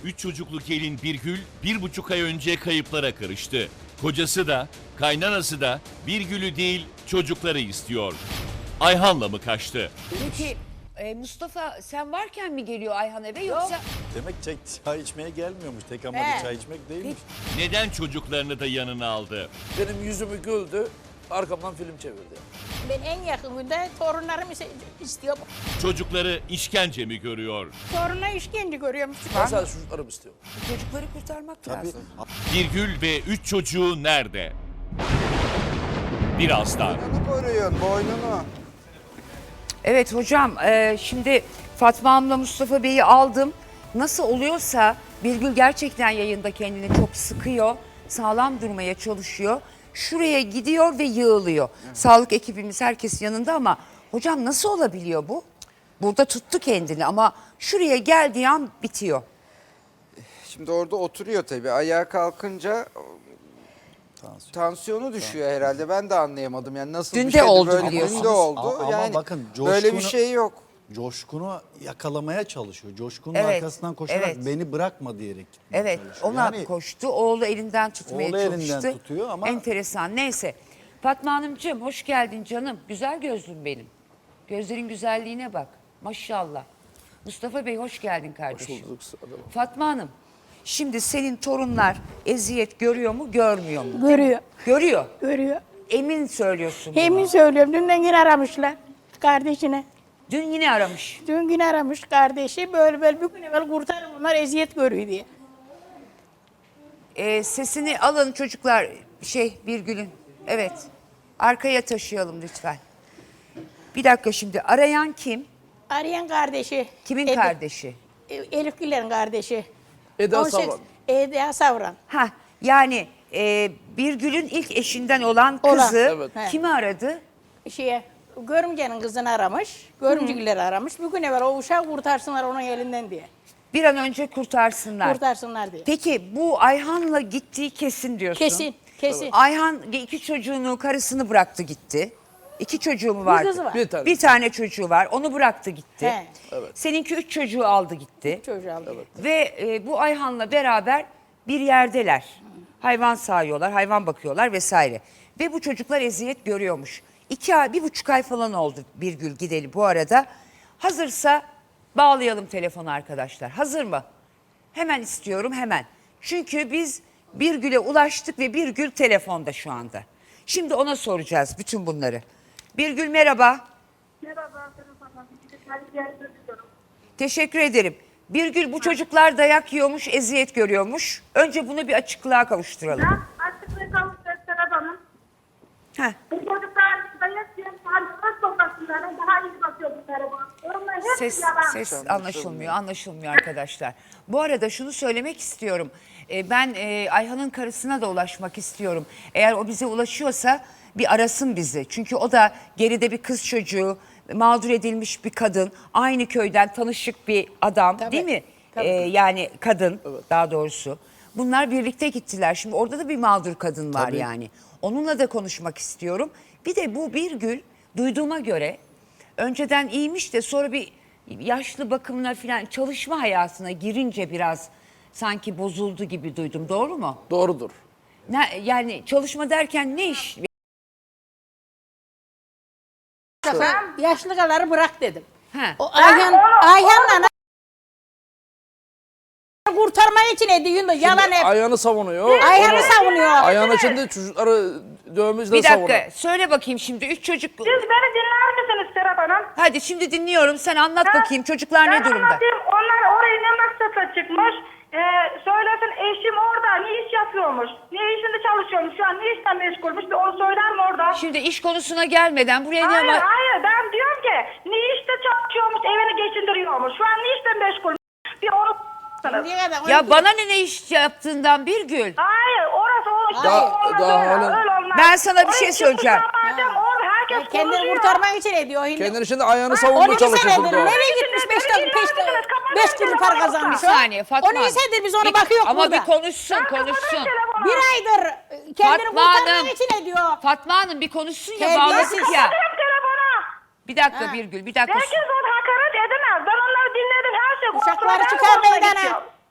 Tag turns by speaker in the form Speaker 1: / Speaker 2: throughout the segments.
Speaker 1: 3 çocuklu gelin Birgül 1,5 ay önce kayıplara karıştı. Kocası da, kaynanası da Birgül'ü değil çocukları istiyor. Ayhan'la mı kaçtı?
Speaker 2: Peki Mustafa sen varken mi geliyor Ayhan eve yoksa?
Speaker 3: Demek çay içmeye gelmiyormuş. Tek amacı çay içmek değilmiş.
Speaker 1: Neden çocuklarını da yanına aldı?
Speaker 4: Benim yüzümü güldü, arkamdan film çevirdi.
Speaker 5: Ben en yakın günde torunlarımı istiyorum.
Speaker 1: Çocukları işkence mi görüyor?
Speaker 5: Torununa işkence görüyorum.
Speaker 4: Ben sadece çocuklarımı istiyorum.
Speaker 2: Çocukları kurtarmak lazım.
Speaker 1: Birgül ve 3 çocuğu nerede? Birazdan.
Speaker 6: Boynunu koruyorsun, boynunu.
Speaker 2: Evet hocam şimdi Fatma Hanım'la Mustafa Bey'i aldım. Nasıl oluyorsa Birgül gerçekten yayında kendini çok sıkıyor. Sağlam durmaya çalışıyor. Şuraya gidiyor ve yığılıyor. Sağlık ekibimiz herkes yanında ama hocam nasıl olabiliyor bu? Burada tuttu kendini ama şuraya geldiği an bitiyor.
Speaker 6: Şimdi orada oturuyor tabii. Ayağa kalkınca tansiyonu düşüyor herhalde. Ben de anlayamadım. Yani nasıl
Speaker 2: Dün
Speaker 6: bir
Speaker 2: de
Speaker 6: şeydi
Speaker 2: oldu
Speaker 6: böyle.
Speaker 2: biliyorsunuz.
Speaker 6: Dün de oldu.
Speaker 3: Ama
Speaker 6: yani
Speaker 3: bakın
Speaker 6: böyle bir şey yok.
Speaker 3: Coşkun'u yakalamaya çalışıyor. Coşkun'un
Speaker 2: Evet,
Speaker 3: arkasından koşarak
Speaker 2: evet.
Speaker 3: beni bırakma diyerek gitmeye
Speaker 2: Evet
Speaker 3: çalışıyor.
Speaker 2: ona
Speaker 3: Yani
Speaker 2: koştu. Oğlu elinden tutmaya
Speaker 3: Oğlu elinden
Speaker 2: çalıştı.
Speaker 3: tutuyor ama-
Speaker 2: Enteresan. Neyse. Fatma Hanımcığım hoş geldin canım. Güzel gözlüm benim. Gözlerin güzelliğine bak. Maşallah. Mustafa Bey hoş geldin kardeşim.
Speaker 4: Bulduk, sırada bak.
Speaker 2: Fatma Hanım şimdi senin torunlar eziyet görüyor mu görmüyor mu?
Speaker 5: Görüyor,
Speaker 2: Görüyor.
Speaker 5: görüyor.
Speaker 2: Emin söylüyorsun bunu.
Speaker 5: Emin söylüyorum. Dünden yine aramışlar kardeşine.
Speaker 2: Dün yine aramış.
Speaker 5: Dün yine aramış kardeşi. Böyle bir gün evvel kurtarın bunlar eziyet görüyor diye.
Speaker 2: Sesini alın çocuklar Birgül'ün. Evet. Arkaya taşıyalım lütfen. Bir dakika şimdi arayan kim?
Speaker 5: Arayan kardeşi.
Speaker 2: Kimin kardeşi?
Speaker 5: Elif Güler'in kardeşi.
Speaker 4: Eda
Speaker 5: 18
Speaker 4: Savran.
Speaker 5: Eda Savran.
Speaker 2: Ha yani Birgül'ün ilk eşinden olan
Speaker 5: Olan,
Speaker 2: kızı
Speaker 4: evet.
Speaker 2: kimi aradı?
Speaker 5: Görümcenin kızını aramış. Görümcükleri aramış. Bir gün evvel o uşağı kurtarsınlar onun elinden diye.
Speaker 2: Bir an önce kurtarsınlar.
Speaker 5: Kurtarsınlar diye.
Speaker 2: Peki bu Ayhan'la gittiği kesin diyorsun.
Speaker 5: Kesin, kesin.
Speaker 2: Ayhan 2 çocuğunu, karısını bıraktı gitti. 2 çocuğu mu vardı?
Speaker 5: kızı var.
Speaker 4: Bir tane.
Speaker 2: çocuğu var. Onu bıraktı gitti.
Speaker 5: He.
Speaker 2: Seninki 3 çocuğu aldı gitti.
Speaker 5: Çocuğu aldı.
Speaker 2: Ve bu Ayhan'la beraber bir yerdeler. Hayvan sağıyorlar, hayvan bakıyorlar vesaire. Ve bu çocuklar eziyet görüyormuş. 1,5 ay falan oldu Birgül gideli bu arada. Hazırsa bağlayalım telefonu arkadaşlar. Hazır mı? Hemen istiyorum hemen. Çünkü biz Birgül'e ulaştık ve Birgül telefonda şu anda. Şimdi ona soracağız bütün bunları. Birgül merhaba.
Speaker 7: Merhaba, ben
Speaker 2: Teşekkür ederim. Birgül bu çocuklar dayak yiyormuş, eziyet görüyormuş. Önce bunu bir açıklığa kavuşturalım.
Speaker 7: açıklığı kavuşacağız Serap Hanım.
Speaker 2: Heh.
Speaker 7: Bu çocuklar dayak yiyen sağlıklı sokaklara daha iyi bakıyor bu tarafa. Onlar hep yalan.
Speaker 2: Ses anlaşılmıyor arkadaşlar. Bu arada şunu söylemek istiyorum. Ben Ayhan'ın karısına da ulaşmak istiyorum. Eğer o bize ulaşıyorsa bir arasın bizi. Çünkü o da geride bir kız çocuğu, mağdur edilmiş bir kadın, aynı köyden tanışık bir adam,
Speaker 5: Tabii,
Speaker 2: değil mi?
Speaker 5: tabii.
Speaker 2: Yani kadın daha doğrusu. Bunlar birlikte gittiler. Şimdi orada da bir mağdur kadın var yani. Onunla da konuşmak istiyorum. Bir de bu Birgül duyduğuma göre önceden iyiymiş de sonra bir yaşlı bakımına falan çalışma hayatına girince biraz sanki bozuldu gibi duydum. Doğru mu?
Speaker 4: Doğrudur.
Speaker 2: Yani çalışma derken ne iş?
Speaker 5: Yaşlıları bırak dedim.
Speaker 2: Ha.
Speaker 5: O Ayhan'la kurtarmak için ediyor. Yalan hep.
Speaker 4: Ayağını savunuyor.
Speaker 5: Ayhan'ı savunuyor.
Speaker 4: Ayağın içinde çocukları dövmüşle
Speaker 2: Bir
Speaker 4: savunuyor.
Speaker 2: dakika söyle bakayım şimdi 3 çocuk.
Speaker 7: Siz beni dinler misiniz Serap Hanım?
Speaker 2: Hadi şimdi dinliyorum sen anlat bakayım çocuklar ne
Speaker 7: Ben
Speaker 2: durumda?
Speaker 7: anlatayım. Onlar oraya ne maksatla çıkmış? Söylesin eşim orada ne iş yapıyormuş? Ne işinde çalışıyormuş? Şu an ne işten meşgulmüş? Bir onu söyler mi orada?
Speaker 2: Şimdi iş konusuna gelmeden buraya
Speaker 7: Hayır
Speaker 2: ne
Speaker 7: hayır ben diyorum ki ne işte çalışıyormuş evini geçindiriyormuş. Şu an ne işten meşgulmüş? Bir onu
Speaker 5: Şimdiye kadar onu-
Speaker 2: Ya bana ne iş yaptığından Birgül.
Speaker 7: Hayır orası o işte
Speaker 4: Daha-
Speaker 7: olmaz
Speaker 4: daha
Speaker 7: öyle,
Speaker 4: halen-
Speaker 7: öyle olmaz.
Speaker 2: Ben sana bir
Speaker 7: Oraya
Speaker 2: şey
Speaker 7: çıkmış
Speaker 2: söyleyeceğim.
Speaker 7: madem orada herkes
Speaker 5: Kendini
Speaker 7: konuşuyor.
Speaker 5: kurtarmak için ediyor.
Speaker 4: Kendini içinde ayağını savunmaya
Speaker 5: 12
Speaker 4: çalışıyor
Speaker 5: senedir
Speaker 4: burada.
Speaker 5: nereye gitmiş 5 kuruş para kazanmış.
Speaker 2: Bir saniye Fatma.
Speaker 5: 12 senedir biz ona
Speaker 2: Bir-
Speaker 5: bakıyoruz
Speaker 2: ama
Speaker 5: burada.
Speaker 2: bir konuşsun konuşsun.
Speaker 5: Bir aydır kendini
Speaker 2: Fatma
Speaker 5: kurtarmak
Speaker 2: Hanım.
Speaker 5: için ediyor.
Speaker 2: Fatma Hanım bir konuşsun ya
Speaker 5: Terbiyesiz.
Speaker 2: bağladık ya.
Speaker 7: telefona.
Speaker 2: Bir dakika Birgül bir dakika.
Speaker 7: Herkes onu hakaret edemez. Ben onları dinledim her şey.
Speaker 5: Uşakları
Speaker 7: kontrolden
Speaker 5: çıkar
Speaker 7: kontrole
Speaker 5: meydana.
Speaker 7: geçiyor.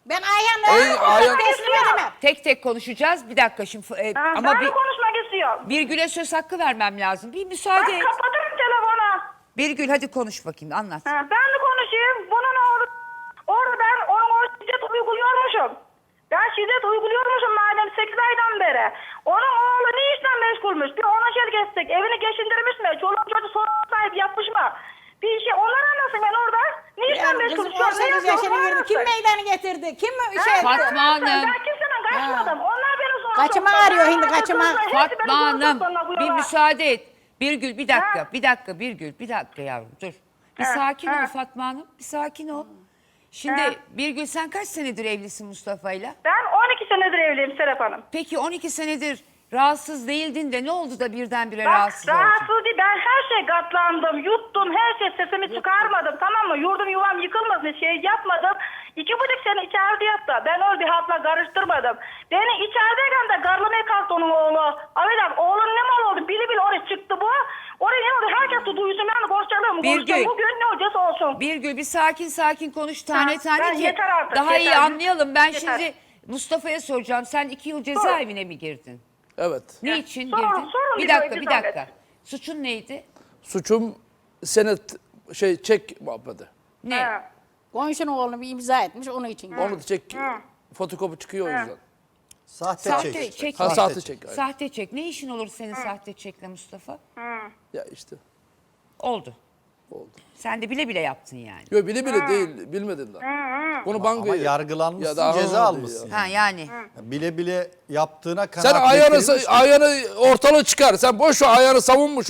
Speaker 5: Ben Ayhan'la
Speaker 4: Ayhan-
Speaker 5: teslim edemem.
Speaker 2: Tek tek konuşacağız. Bir dakika şimdi. Ama
Speaker 7: Ben de konuşmak istiyorum.
Speaker 2: Birgül'e söz hakkı vermem lazım. Bir müsaade
Speaker 7: Ben
Speaker 2: et.
Speaker 7: kapatırım telefonu.
Speaker 2: Birgül hadi konuş bakayım, anlat.
Speaker 7: Ben de konuşayım. Bunun oğlu, orada ben onun o şiddet uyguluyormuşum. Ben şiddet uyguluyormuşum madem 8 aydan beri. Onun oğlu ne işle meşgulmüş? Bir ona şer geçsek, evini geçindirmiş mi? Çoluğun çocuğu sorun sahibi yapmış mı? Bir şey onlar anlasın ben orada. Ne işle
Speaker 5: Yani
Speaker 7: meşgul?
Speaker 5: kızım 18 yaşına girdi. Kim meydana getirdi? Kim şey etti?
Speaker 2: Fatma Hanım.
Speaker 7: Ben kimseden kaçmadım. Onlar beni sonra...
Speaker 5: Kaçıma arıyor şimdi, kaçıma.
Speaker 2: Fatma Hanım bir müsaade et. Birgül bir dakika, bir dakika Birgül, bir dakika yavrum dur. Bir sakin ol Fatma Hanım, bir sakin ol. Şimdi Birgül sen kaç senedir evlisin Mustafa'yla?
Speaker 7: Ben 12 senedir evliyim Serap Hanım.
Speaker 2: Peki 12 senedir rahatsız değildin de ne oldu da birdenbire
Speaker 7: Bak
Speaker 2: rahatsız oldun?
Speaker 7: rahatsız değil. Ben her şey katlandım, yuttum, her şey sesimi çıkarmadım, tamam mı? Yurdum yuvam yıkılmasın, şey yapmadım. 2,5 sene içeride yattı. Ben öyle bir hatla karıştırmadım. Beni içerideyken de garlamaya kalktı onun oğlu. Abi oğlun ne mal oldu? Bili bili oraya çıktı bu. Oraya ne oldu? Herkes de duysun. Ben de konuşacağım.
Speaker 2: Birgül.
Speaker 7: Bugün ne olacaksa olsun.
Speaker 2: Birgül bir sakin konuş tane
Speaker 7: Ha,
Speaker 2: tane
Speaker 7: ben
Speaker 2: ki
Speaker 7: yeter artık,
Speaker 2: daha iyi
Speaker 7: yeter.
Speaker 2: anlayalım. Ben
Speaker 7: Yeter.
Speaker 2: şimdi Mustafa'ya soracağım. Sen 2 yıl cezaevine mi girdin?
Speaker 4: Evet.
Speaker 2: Ne için
Speaker 7: Sorun,
Speaker 2: girdin?
Speaker 7: sorun
Speaker 2: Bir
Speaker 7: bir
Speaker 2: dakika,
Speaker 7: böyle,
Speaker 2: bir
Speaker 7: bir
Speaker 2: dakika.
Speaker 7: zahmet.
Speaker 2: Suçun neydi?
Speaker 4: Suçum senet çek muhabbeti.
Speaker 2: Ne?
Speaker 7: Ha.
Speaker 5: Komşunun oğlunu bir imza etmiş onun için.
Speaker 4: Onu da çek fotokopi çıkıyor o yüzden.
Speaker 3: Sahte,
Speaker 2: Sahte
Speaker 3: çek.
Speaker 2: çek.
Speaker 4: Ha, sahte çek. aynen.
Speaker 2: Sahte çek. Ne işin olur senin sahte çekle Mustafa?
Speaker 4: Ya işte
Speaker 2: Oldu.
Speaker 4: oldu.
Speaker 2: Sen de bile bile yaptın yani.
Speaker 4: Yok bile bile değil, bilmedin daha. Bunu bankaya...
Speaker 3: Ama yargılanmışsın,
Speaker 4: Ya daha
Speaker 3: ceza
Speaker 4: anlamadı
Speaker 3: almışsın.
Speaker 2: Ha yani.
Speaker 3: Bile bile yaptığına
Speaker 4: Sen
Speaker 3: kanaat getirilmiş mi?
Speaker 4: ayağını ortalığı çıkar. Sen boş ver ayağını savunmuş.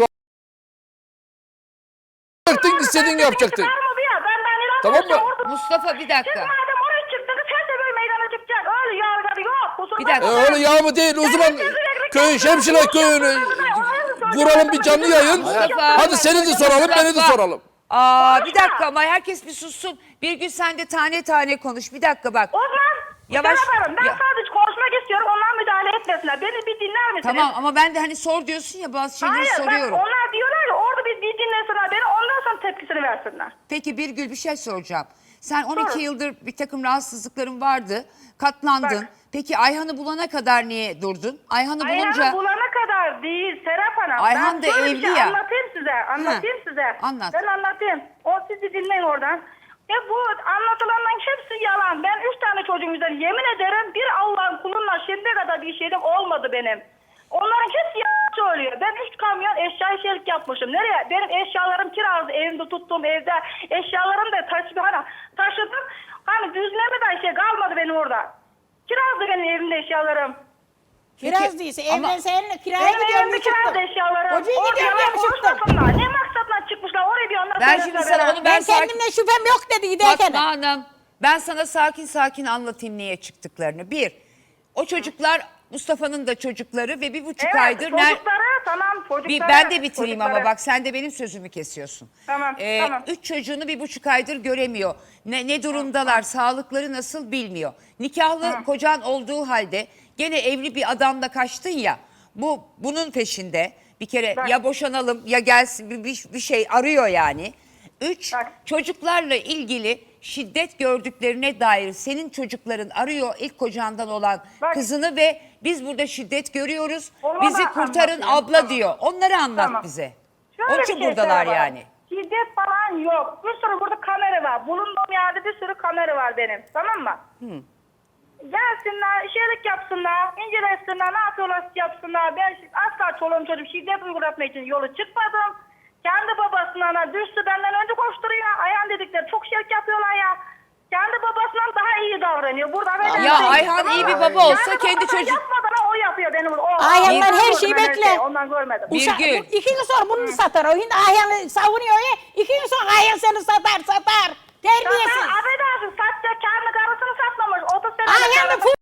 Speaker 4: Yapacaktın, istediğin yapacaktın.
Speaker 7: Çıkar mı bir ya? Ben
Speaker 4: Tamam mı?
Speaker 7: inanmıyorum.
Speaker 2: Mustafa bir
Speaker 7: Siz
Speaker 2: dakika.
Speaker 7: madem oraya çıktınız her sefer meydana çıkacak. Öyle yargıları yok. Kusura
Speaker 4: E
Speaker 7: bakma.
Speaker 4: öyle yağ mı değil? O zaman köy, Şemşire köyünü kuralım bir canlı yayın.
Speaker 2: Mustafa.
Speaker 4: Hadi seni de soralım, beni de soralım.
Speaker 2: Aa bir dakika ama herkes bir sussun. Bir gün sen de tane tane konuş. Bir dakika bak.
Speaker 7: O zaman
Speaker 2: Yavaş.
Speaker 7: Serap Hanım, ben
Speaker 2: Ya.
Speaker 7: sadece konuşmak istiyorum. Onlar müdahale etmesinler. Beni bir dinler misiniz?
Speaker 2: Tamam ama ben de hani sor diyorsun ya bazı şeyleri
Speaker 7: Hayır
Speaker 2: soruyorum.
Speaker 7: bak onlar diyorlar ya orada bir dinlesinler beni ondan sonra tepkisini versinler.
Speaker 2: Peki Birgül bir şey soracağım. Sen 12
Speaker 7: Sor.
Speaker 2: yıldır bir takım rahatsızlıkların vardı. Katlandın.
Speaker 7: Bak.
Speaker 2: Peki Ayhan'ı bulana kadar niye durdun? Ayhan'ı
Speaker 7: Ayhan'ı
Speaker 2: bulunca...
Speaker 7: bulana kadar değil Serap Hanım.
Speaker 2: Ayhan
Speaker 7: Ben
Speaker 2: da
Speaker 7: şöyle bir
Speaker 2: evli
Speaker 7: şey
Speaker 2: ya.
Speaker 7: Anlatayım size. Anlatayım size.
Speaker 2: anlat.
Speaker 7: Ben anlatayım. O sizi dinleyin oradan. Bu anlatılanların hepsi yalan. Ben 3 tane çocuğum üzerine yemin ederim bir Allah'ın kulunla şimdiye kadar bir şeyim olmadı benim. Onların hepsi yalan söylüyor. Ben 3 kamyon eşya işçilik yapmışım. Nereye? Benim eşyalarım kiralı. Evimde tuttuğum evde. Eşyalarım da taşıdım. Hani düzleme de şey kalmadı benim orada. Kiralı benim evimde eşyalarım.
Speaker 5: Kiraz değilse
Speaker 2: ama-
Speaker 5: evden seninle kiraya
Speaker 7: Benim
Speaker 5: gidiyorum
Speaker 7: evimde
Speaker 5: diye çıktım.
Speaker 7: kiralı eşyalarım.
Speaker 5: Hocaya
Speaker 7: Orada
Speaker 5: gidiyorum
Speaker 7: yalan
Speaker 5: diye mi çıktım?
Speaker 7: konuşmasınlar. Ne maksatla çıkmışlar oraya bir onları
Speaker 2: Ben şimdi sana onu
Speaker 5: Ben
Speaker 2: sakin-
Speaker 5: kendimle şüphem yok dedi giderken.
Speaker 2: Fatma Hanım ben sana sakin anlatayım niye çıktıklarını. Bir, o çocuklar Mustafa'nın da çocukları ve 1,5
Speaker 7: Evet
Speaker 2: aydır...
Speaker 7: çocukları tamam çocukları.
Speaker 2: Ben de bitireyim ama
Speaker 7: çocukları.
Speaker 2: bak sen de benim sözümü kesiyorsun.
Speaker 7: Tamam, tamam.
Speaker 2: 3 çocuğunu 1,5 aydır göremiyor. Ne durumdalar, sağlıkları nasıl bilmiyor. Nikahlı kocan olduğu halde gene evli bir adamla kaçtın ya. Bunun peşinde bir kere
Speaker 7: Bak.
Speaker 2: ya boşanalım ya gelsin bir şey arıyor yani. 3
Speaker 7: Bak.
Speaker 2: çocuklarla ilgili şiddet gördüklerine dair senin çocukların arıyor ilk kocandan olan
Speaker 7: Bak.
Speaker 2: kızını ve biz burada şiddet görüyoruz.
Speaker 7: Onu
Speaker 2: Bizi
Speaker 7: da
Speaker 2: kurtarın
Speaker 7: anlatayım.
Speaker 2: abla
Speaker 7: Tamam.
Speaker 2: diyor. Onları anlat
Speaker 7: Tamam.
Speaker 2: bize.
Speaker 7: Şöyle
Speaker 2: Onun
Speaker 7: bir
Speaker 2: için
Speaker 7: şey
Speaker 2: buradalar
Speaker 7: Serap
Speaker 2: yani.
Speaker 7: Şiddet falan yok. Bir sürü burada kamera var. Bulunduğum yerde bir sürü kamera var benim. Tamam mı? Gelsinler, işerik yapsınlar, incelesinler, ne yapıyorlar yapsınlar. Ben asla çoluğum çocuğum şiddet uygulatmak için yolu çıkmadım. Kendi babasına düştü benden önce koşturuyor. Ayhan dedikleri çok şirk yapıyorlar ya. Kendi babasından daha iyi davranıyor. Burada
Speaker 2: Ya Ayhan iyi bir baba olsa kendi
Speaker 7: babasına
Speaker 2: çocuk...
Speaker 7: yapmadan o yapıyor benim.
Speaker 5: Ayhan'dan her
Speaker 7: gördüm
Speaker 5: şeyi
Speaker 7: ben
Speaker 5: bekle.
Speaker 7: Ondan görmedim.
Speaker 5: Uşak,
Speaker 2: Birgül.
Speaker 5: 2 gün sonra bunu satar. O şimdi Ayhan'ı savunuyor ya. 2 gün sonra Ayhan seni satar. Terbiyesiz.
Speaker 7: Zaten affedersin satacak kendi karısını satmamış. 30 sene
Speaker 5: Ayhan'ı fu...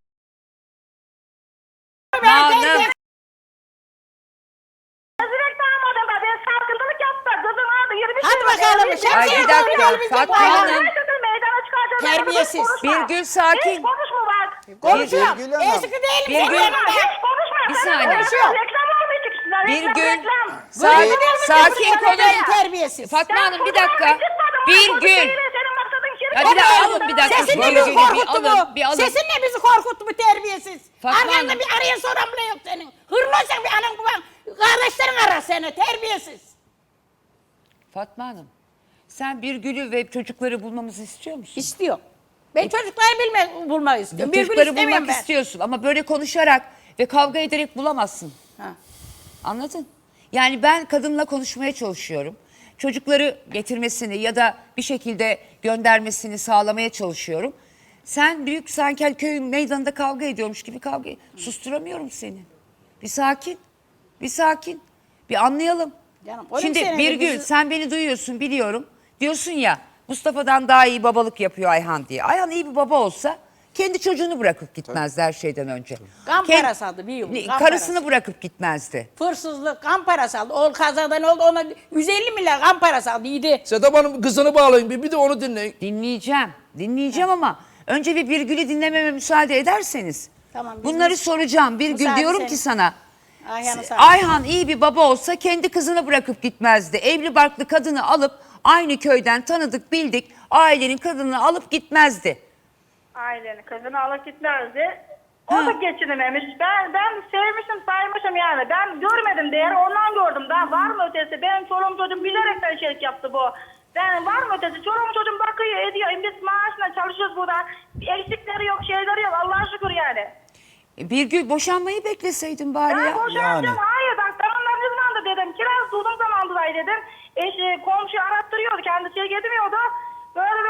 Speaker 2: Hanım.
Speaker 7: Rezillik damadım da ben sarkıntılık yaptım. Kızım aldı 20
Speaker 5: Hadi bakalım,
Speaker 2: Ay, bir dakika, Fatma Hanım.
Speaker 5: Terbiyesiz.
Speaker 2: Birgül sakin.
Speaker 7: Hiç konuşma bak.
Speaker 5: Konuşuyorum.
Speaker 3: Birgül Hanım.
Speaker 5: Eski değilim.
Speaker 2: Birgül.
Speaker 5: senin yanında.
Speaker 7: Hiç konuşma.
Speaker 2: Bir
Speaker 7: Sen
Speaker 2: saniye.
Speaker 7: konuşuyorsun. Reklam olmayacak işte.
Speaker 2: Birgül.
Speaker 7: Reklam.
Speaker 2: Sakin konuş.
Speaker 5: Terbiyesiz.
Speaker 2: Fatma Hanım bir dakika. Birgül.
Speaker 7: Senin maksadın kiri.
Speaker 2: Ya bir dakika, alın bir dakika.
Speaker 5: Sesin ne
Speaker 2: Böyle
Speaker 5: bizi
Speaker 2: bir
Speaker 5: korkuttu
Speaker 2: alın, bir alın.
Speaker 5: Sesin ne bizi korkuttu bu terbiyesiz.
Speaker 2: Fatma
Speaker 5: Arkanda
Speaker 2: Hanım.
Speaker 5: bir arayan soran bile yok senin. Hırlıysan bir anan baban. Kardeşlerin arar seni terbiyesiz.
Speaker 2: Fatma Hanım, sen Birgül'ü ve çocukları bulmamızı istiyor musun?
Speaker 5: İstiyor. Ben çocukları bulmak istiyorum. Bir gün
Speaker 2: Çocukları
Speaker 5: istemem
Speaker 2: bulmak
Speaker 5: ben.
Speaker 2: istiyorsun ama böyle konuşarak ve kavga ederek bulamazsın.
Speaker 5: Ha.
Speaker 2: Anladın? Yani ben kadınla konuşmaya çalışıyorum. Çocukları getirmesini ya da bir şekilde göndermesini sağlamaya çalışıyorum. Sen Büyük Sankel köyün meydanında kavga ediyormuş gibi susturamıyorum seni. Bir sakin. Bir sakin. Bir anlayalım.
Speaker 5: Canım, 12
Speaker 2: Şimdi
Speaker 5: senedir
Speaker 2: Birgül
Speaker 5: bizi-
Speaker 2: sen beni duyuyorsun biliyorum. Diyorsun ya Mustafa'dan daha iyi babalık yapıyor Ayhan diye. Ayhan iyi bir baba olsa kendi çocuğunu bırakıp gitmezdi her şeyden önce.
Speaker 5: Kan
Speaker 2: Kend-
Speaker 5: parası aldı bir yıl. Kan
Speaker 2: Karısını
Speaker 5: parası.
Speaker 2: bırakıp gitmezdi.
Speaker 5: Hırsızlık, kan parası aldı. O kazadan oldu ona 150 milyar kan parası aldı. İyiydi.
Speaker 4: Sedap Hanım kızını bağlayın bir de onu dinleyin.
Speaker 2: Dinleyeceğim ama önce bir Birgül'ü dinlememe müsaade ederseniz.
Speaker 5: Tamam, biz
Speaker 2: Bunları
Speaker 5: de-
Speaker 2: soracağım. Birgül
Speaker 5: Müsaade
Speaker 2: diyorum
Speaker 5: senin.
Speaker 2: ki sana.
Speaker 5: Ayhan'ı sağ ol.
Speaker 2: Ayhan iyi bir baba olsa kendi kızını bırakıp gitmezdi. Evli barklı kadını alıp aynı köyden tanıdık bildik ailenin kadını alıp gitmezdi.
Speaker 7: Ailenin kızını alıp gitmezdi. O da geçinememiş. Ben sevmişim saymışım yani. Ben görmedim değeri ondan gördüm. Daha var mı ötesi? Benim çoluğum çocuğum bilerekten şey yaptı bu. Ben var mı ötesi? Çoluğum çocuğum bakıyor ediyor. Biz maaşla çalışıyoruz burada. Eksikleri yok şeyleri yok Allah'a şükür yani.
Speaker 2: Birgül boşanmayı bekleseydin bari
Speaker 7: Ben
Speaker 2: ya.
Speaker 7: boşanacağım.
Speaker 3: Yani.
Speaker 7: Hayır bak ben onların ne zaman da dedim. Kiraz durdum zaman da dedim. Komşu arattırıyordu. Kendisi gitmiyordu. Böyle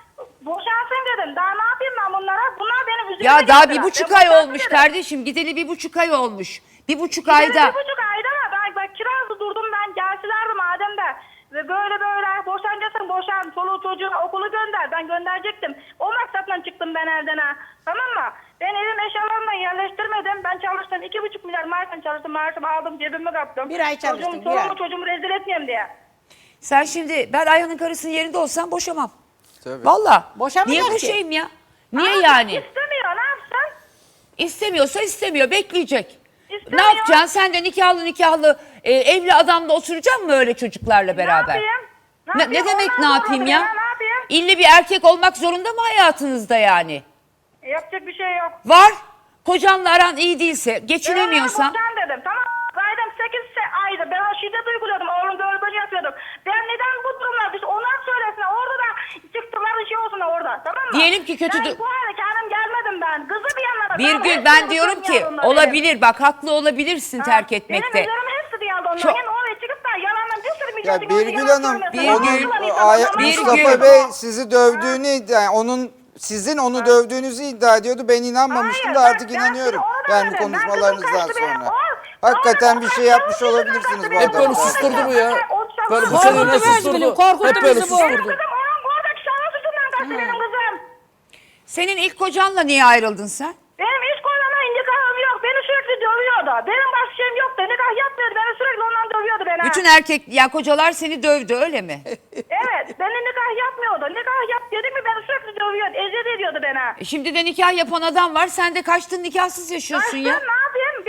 Speaker 7: boşansın dedim. Daha ne yapayım ben bunlara? Bunlar benim üzerime
Speaker 2: Ya daha
Speaker 7: geldiler.
Speaker 2: 1,5
Speaker 7: Ben
Speaker 2: ay
Speaker 7: boşansın
Speaker 2: olmuş
Speaker 7: dedim.
Speaker 2: kardeşim. Gideli 1,5 ay olmuş. 1,5
Speaker 7: Ayda.
Speaker 2: ayda.
Speaker 7: 1,5 ayda ama bak kirazda durdum ben. Gelsilerdi madem de. Ve böyle boşanacaksın boşan. Çoluğu çocuğu okulu gönder. Ben gönderecektim. O maksatla çıktım ben evden ha. Tamam mı? Ben evim eşyalarımla yerleştirmedim. Ben çalıştım. 2,5 milyar maaşla çalıştım. Maaşımı aldım cebime kattım.
Speaker 5: Bir ay çalıştın, bir ay.
Speaker 7: Çocuğumu rezil etmeyeyim diye.
Speaker 2: Sen şimdi ben Ayhan'ın karısının yerinde olsam boşamam.
Speaker 6: Tabii.
Speaker 2: Valla.
Speaker 5: Boşamayacak
Speaker 2: Niye
Speaker 5: ki.
Speaker 2: boşayayım ya? Niye
Speaker 7: Ama
Speaker 2: yani?
Speaker 7: İstemiyor ne yapsın?
Speaker 2: İstemiyorsa istemiyor. Bekleyecek.
Speaker 7: İstemiyor.
Speaker 2: Ne yapacaksın? Sen de nikahlı evli adamla oturacaksın mı öyle çocuklarla beraber?
Speaker 7: yapayım?
Speaker 2: Ne demek ne
Speaker 7: Ondan
Speaker 2: yapayım
Speaker 7: sonra
Speaker 2: ya?
Speaker 7: Ne yapayım?
Speaker 2: İlle bir erkek olmak zorunda mı hayatınızda yani?
Speaker 7: Yapacak bir şey yok.
Speaker 2: Var. Kocanla aran iyi değilse, geçinemiyorsan.
Speaker 7: Ben dedim tamam. Zaten 8 ayda ben o şiddet uyguluyordum. Oğlum böyle yapıyordum. Ben neden bu durumlar? Biz onlar söylesin. Orada da çıktılar bir şey olsun orada. Tamam mı?
Speaker 2: Diyelim ki kötü
Speaker 7: Ben bu hale kendim gelmedim ben. Kızı bir yanlara.
Speaker 2: Birgül ben diyorum ki olabilir bak haklı olabilirsin terk etmekte.
Speaker 7: Benim üzerime hepsi diyordu onlar.
Speaker 2: Çok-
Speaker 7: Yani oraya çıkıp da yalandan bir sürü
Speaker 6: Ya
Speaker 7: milletin
Speaker 6: Birgül
Speaker 7: yalan
Speaker 6: Hanım,
Speaker 7: söylemesin.
Speaker 2: Birgül,
Speaker 7: Yalan
Speaker 2: Birgül.
Speaker 6: Mustafa Bey sizi dövdüğünü iddia, sizin onu dövdüğünüzü iddia ediyordu. Ben inanmamıştım da
Speaker 7: Hayır,
Speaker 6: artık
Speaker 7: ben
Speaker 6: inanıyorum.
Speaker 7: onu da
Speaker 6: Yani
Speaker 7: demedim. Ben
Speaker 6: konuşmalarınızdan
Speaker 7: kızım kaçtı benim.
Speaker 6: sonra.
Speaker 7: O-
Speaker 6: Hakikaten bir
Speaker 7: o-
Speaker 6: şey yapmış olabilirsiniz bu
Speaker 7: Hep
Speaker 4: Hep böyle
Speaker 6: adamı.
Speaker 4: susturdu bu ya. Böyle bu
Speaker 7: Korkuttu
Speaker 4: sene ne
Speaker 5: bizi,
Speaker 4: susturdu?
Speaker 5: korkuttu
Speaker 4: Hep böyle
Speaker 5: bizi bu.
Speaker 7: Benim
Speaker 4: susturdu.
Speaker 7: kızım onun oradaki şahıs yüzünden kaçtı benim kızım.
Speaker 2: Senin ilk kocanla niye ayrıldın sen?
Speaker 7: Benim hiç koynama nikahım yok. Beni sürekli dövüyordu. Benim başka şeyim yoktu. Nikah yapmıyordu. Beni sürekli ondan dövüyordu beni.
Speaker 2: Bütün erkek ya kocalar seni dövdü öyle mi?
Speaker 7: Evet. Beni nikah yapmıyordu. Nikah yap dedim mi beni sürekli dövüyordu. Eziyet ediyordu beni.
Speaker 2: Şimdi de nikah yapan adam var sen de kaçtın nikahsız yaşıyorsun
Speaker 7: Ay,
Speaker 2: ya.
Speaker 7: sen ne yapayım?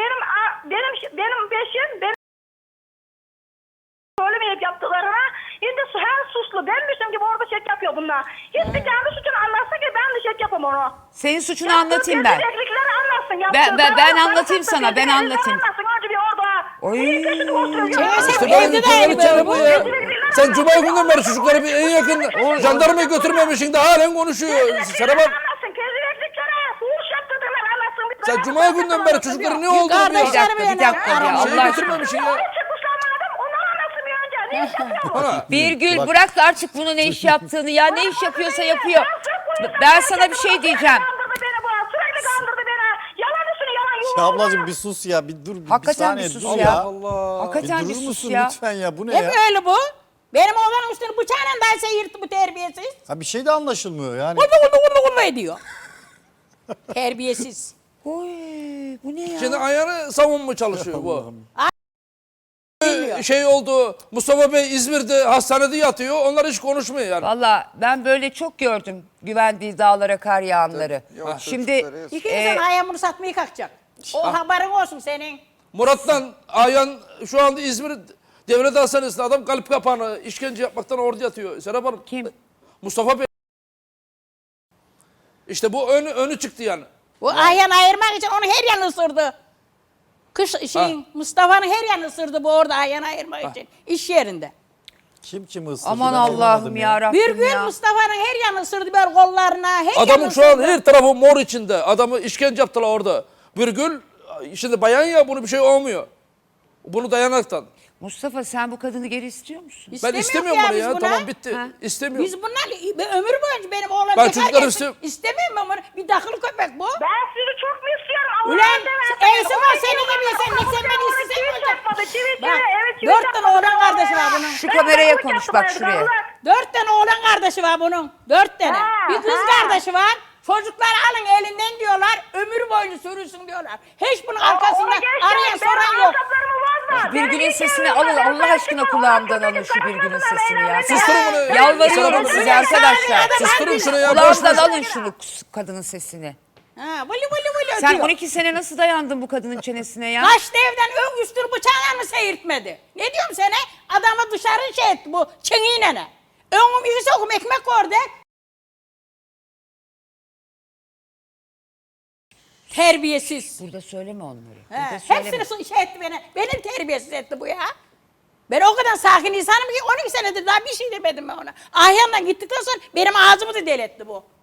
Speaker 7: Benim beşim söylemeyip yaptıklarına şimdi her suçlu. Benmişim gibi orada çek yapıyor bunlar. Hiçbir kendi suçunu anlatsın ki ben de çek yapam onu.
Speaker 2: Senin suçunu anlatayım ben.
Speaker 7: Rezillikleri anlatsın.
Speaker 2: Ben anlatayım sana, ben anlatayım.
Speaker 7: Anlatsın önce bir orada.
Speaker 2: Oy.
Speaker 7: Neyin peşinde oturuyor?
Speaker 4: İşte
Speaker 5: Evde
Speaker 4: böyle
Speaker 5: de
Speaker 4: bir kavgalı
Speaker 5: aynı
Speaker 4: çare
Speaker 5: böyle
Speaker 4: bu
Speaker 5: bu.
Speaker 4: ya. Sen Cuma günden beri çocukları bir en yakın jandarmaya götürmemişsin de halen konuşuyor. Serap Hanım,
Speaker 7: Anlatsın. Rezilliklere fuhuş yaptırdığını anlatsın.
Speaker 4: sen Cuma günden beri çocukları ne oldu bir
Speaker 5: Kardeşler
Speaker 4: ya?
Speaker 5: mi
Speaker 2: Bir dakika ya
Speaker 5: aramış?
Speaker 4: Şeyi
Speaker 2: Allah aşkına.
Speaker 4: götürmemişsin ya.
Speaker 7: Çıkmışlar madem onları anlatsın bir önce. Ne iş yapıyor?
Speaker 2: Birgül bırak artık bunu ne iş yaptığını ya ne iş yapıyorsa yapıyor. Ben sana bir şey diyeceğim.
Speaker 7: Kandırdı beni bu. Sürekli kandırdı beni. Yalan üstüne yalan
Speaker 3: Ya
Speaker 7: yuvarlak.
Speaker 3: ablacığım bir sus ya bir dur bir
Speaker 2: Hakikaten
Speaker 3: saniye
Speaker 2: bir sus
Speaker 3: dur
Speaker 2: ya.
Speaker 3: ya.
Speaker 4: Allah.
Speaker 3: Bir
Speaker 2: Hakikaten bir
Speaker 3: durur
Speaker 2: sus
Speaker 3: musun
Speaker 2: ya.
Speaker 3: lütfen ya bu ne
Speaker 5: Hep
Speaker 3: ya?
Speaker 5: öyle bu. Benim oğlanın üstünü bıçağıyla derse yırttı bu terbiyesiz.
Speaker 3: Ha bir şey de anlaşılmıyor yani.
Speaker 5: Kullu ediyor. Terbiyesiz.
Speaker 2: Oy bu ne ya?
Speaker 4: Şimdi ayağını savunma çalışıyor bu.
Speaker 5: Bilmiyor.
Speaker 4: Şey oldu, Mustafa Bey İzmir'de hastanede yatıyor, onlar hiç konuşmuyor yani.
Speaker 2: Valla ben böyle çok gördüm güvendiği dağlara kar yağanları.
Speaker 6: Yok,
Speaker 2: Şimdi
Speaker 6: çocukları yazık.
Speaker 5: İkinizin ayağımını satmayı kalkacak. O haberin olsun senin.
Speaker 4: Murat'tan Ayhan şu anda İzmir Devlet Hastanesi'nde adam kalp kapağını işkence yapmaktan orada yatıyor. Serap Hanım.
Speaker 2: Kim?
Speaker 4: Mustafa Bey. İşte bu önü çıktı yani.
Speaker 5: Bu Ayhan ayırmak için onu her yanı ısırdı. Mustafa'nın her yanı ısırdı bu orada Ayhan ayırmak için. İş yerinde.
Speaker 3: Kim ısırdı?
Speaker 2: Aman
Speaker 3: Ben
Speaker 2: Allah'ım
Speaker 3: anlamadım
Speaker 2: ya Rabbim
Speaker 5: Bir gün
Speaker 2: ya.
Speaker 5: Mustafa'nın her yanı ısırdı böyle kollarına. Her
Speaker 4: Adamın
Speaker 5: yanı
Speaker 4: şu an
Speaker 5: ısırdı.
Speaker 4: her tarafı mor içinde. Adamı işkence yaptılar orada. Virgül, şimdi bayan ya bunu bir şey olmuyor. Bunu dayanaktan.
Speaker 2: Mustafa sen bu kadını geri istiyor musun?
Speaker 4: Ben
Speaker 5: İstemiyoruz
Speaker 4: istemiyorum bunu
Speaker 5: biz
Speaker 4: ya.
Speaker 5: buna.
Speaker 4: Tamam bitti.
Speaker 2: Ha.
Speaker 4: İstemiyorum.
Speaker 5: Biz bunlar ömür boyunca benim oğlan
Speaker 4: Ben
Speaker 5: bekar
Speaker 4: çocukları
Speaker 5: gelsin. İstemiyorum ben bunu. Bir dakılı köpek bu.
Speaker 7: Ben sizi çok mu istiyorum?
Speaker 5: Ulan Eysi var
Speaker 7: Onun
Speaker 5: senin gibi
Speaker 7: için
Speaker 5: sen sen beni
Speaker 7: ona
Speaker 5: istesen
Speaker 7: çivi
Speaker 5: olacak.
Speaker 7: çarpmadı, çivi,
Speaker 5: Bak,
Speaker 7: evet, çivi
Speaker 5: 4 tane
Speaker 7: çarpmadı.
Speaker 5: oğlan kardeşi var bunun.
Speaker 2: Şu kameraya konuş bak şuraya.
Speaker 5: 4 tane oğlan kardeşi var bunun. 4 tane.
Speaker 7: Ha,
Speaker 5: Bir kız
Speaker 7: ha.
Speaker 5: kardeşi var. Çocukları alın elinden diyorlar. Ömür boyunca sürünsün diyorlar. Hiç bunun arkasında arayan soran yok.
Speaker 2: Birgül'ün sesini alın Allah aşkına kulağımdan alın şu Birgül'ün sesini ya.
Speaker 4: Susturun bunu.
Speaker 2: Yalvarıyorum
Speaker 4: Sana-
Speaker 2: size arkadaşlar.
Speaker 4: Susturun şunu ya. Boş
Speaker 2: Kulağımdan
Speaker 4: boş.
Speaker 2: alın şunu kadının sesini.
Speaker 5: Ha, vılı vılı
Speaker 2: Sen
Speaker 5: ötüyor.
Speaker 2: 12 sene nasıl dayandın bu kadının çenesine ya?
Speaker 5: Kaçtı evden ön üstür bıçağına mı seyirtmedi? Ne diyorum sana? Adamı dışarı şey etti bu çengiyle ne? Önüm iki sokum ekmek orada. Terbiyesiz.
Speaker 2: Burada söyleme onları.
Speaker 5: He,
Speaker 2: Burada söyleme.
Speaker 5: hepsini şey etti beni. Benim terbiyesiz etti bu ya. Ben o kadar sakin insanım ki 12 senedir daha bir şey demedim ben ona. Ahyan'dan gittikten sonra benim ağzımı da deli etti bu.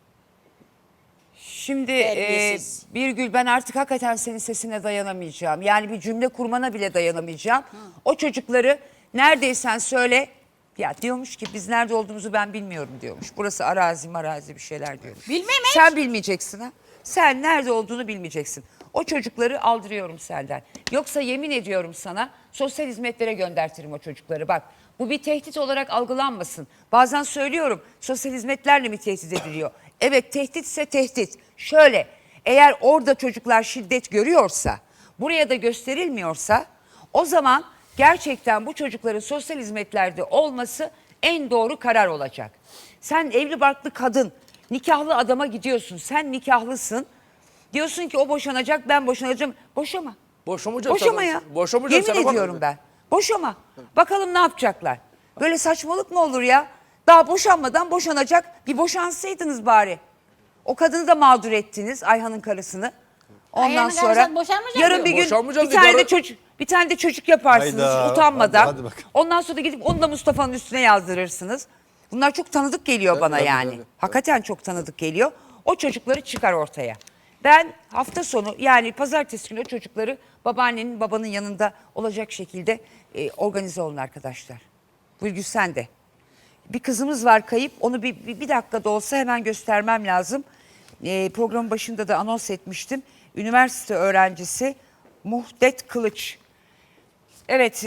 Speaker 2: Şimdi
Speaker 5: Terbiyesiz.
Speaker 2: Birgül ben artık hakikaten senin sesine dayanamayacağım. Yani bir cümle kurmana bile dayanamayacağım. O çocukları neredeysen söyle. Ya diyormuş ki biz nerede olduğumuzu ben bilmiyorum diyormuş. Burası arazi bir şeyler diyormuş.
Speaker 5: Bilmem hiç.
Speaker 2: Sen bilmeyeceksin ha. Sen nerede olduğunu bilmeyeceksin. O çocukları aldırıyorum senden. Yoksa yemin ediyorum sana sosyal hizmetlere göndertirim o çocukları. Bak bu bir tehdit olarak algılanmasın. Bazen söylüyorum sosyal hizmetlerle mi tehdit ediliyor? Evet tehditse tehdit. Şöyle eğer orada çocuklar şiddet görüyorsa buraya da gösterilmiyorsa o zaman gerçekten bu çocukların sosyal hizmetlerde olması en doğru karar olacak. Sen evli barklı kadın nikahlı adama gidiyorsun sen nikahlısın. Diyorsun ki o boşanacak ben boşanacağım. Boşama.
Speaker 4: Boşamayacak
Speaker 2: Boşama
Speaker 4: sana.
Speaker 2: ya.
Speaker 4: Boşamayacak
Speaker 2: Yemin
Speaker 4: sana, bak.
Speaker 2: ediyorum ben. Boşama. Bakalım ne yapacaklar. Böyle saçmalık mı olur ya? Daha boşanmadan boşanacak. Bir boşansaydınız bari. O kadını da mağdur ettiniz Ayhan'ın karısını. Ondan
Speaker 5: Ayhan'ın
Speaker 2: sonra
Speaker 5: karısı boşanmayacak
Speaker 2: yarın
Speaker 5: mı?
Speaker 2: bir gün
Speaker 4: Boşanmayacak
Speaker 2: bir tane
Speaker 4: karı-
Speaker 2: de çocuk yaparsınız
Speaker 3: Hayda.
Speaker 2: utanmadan.
Speaker 3: Hadi bakalım.
Speaker 2: Ondan sonra da gidip onu da Mustafa'nın üstüne yazdırırsınız. Bunlar çok tanıdık geliyor bana
Speaker 4: tabii,
Speaker 2: yani.
Speaker 4: tabii.
Speaker 2: Hakikaten çok tanıdık geliyor. O çocukları çıkar ortaya. Ben hafta sonu yani pazartesi günü o çocukları babaannenin babanın yanında olacak şekilde organize olun arkadaşlar. Birgül sen de. Bir kızımız var kayıp onu bir dakikada olsa hemen göstermem lazım. Programın başında da anons etmiştim. Üniversite öğrencisi Muhdet Kılıç. Evet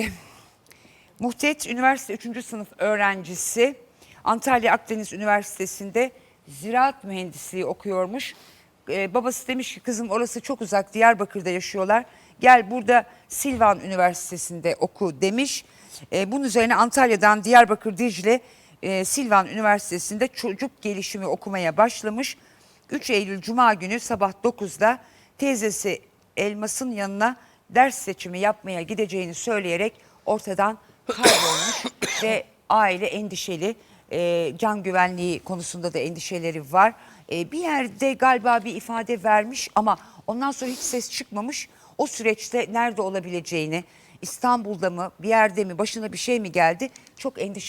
Speaker 2: Muhdet üniversite 3. sınıf öğrencisi. Antalya Akdeniz Üniversitesi'nde ziraat mühendisliği okuyormuş. Babası demiş ki kızım orası çok uzak Diyarbakır'da yaşıyorlar. Gel burada Silvan Üniversitesi'nde oku demiş. Bunun üzerine Antalya'dan Diyarbakır Dicle Silvan Üniversitesi'nde çocuk gelişimi okumaya başlamış. 3 Eylül Cuma günü sabah 9'da teyzesi Elmas'ın yanına ders seçimi yapmaya gideceğini söyleyerek ortadan kaybolmuş ve aile endişeli. Can güvenliği konusunda da endişeleri var. Bir yerde galiba bir ifade vermiş ama ondan sonra hiç ses çıkmamış. O süreçte nerede olabileceğini, İstanbul'da mı, bir yerde mi, başına bir şey mi geldi çok endişeli.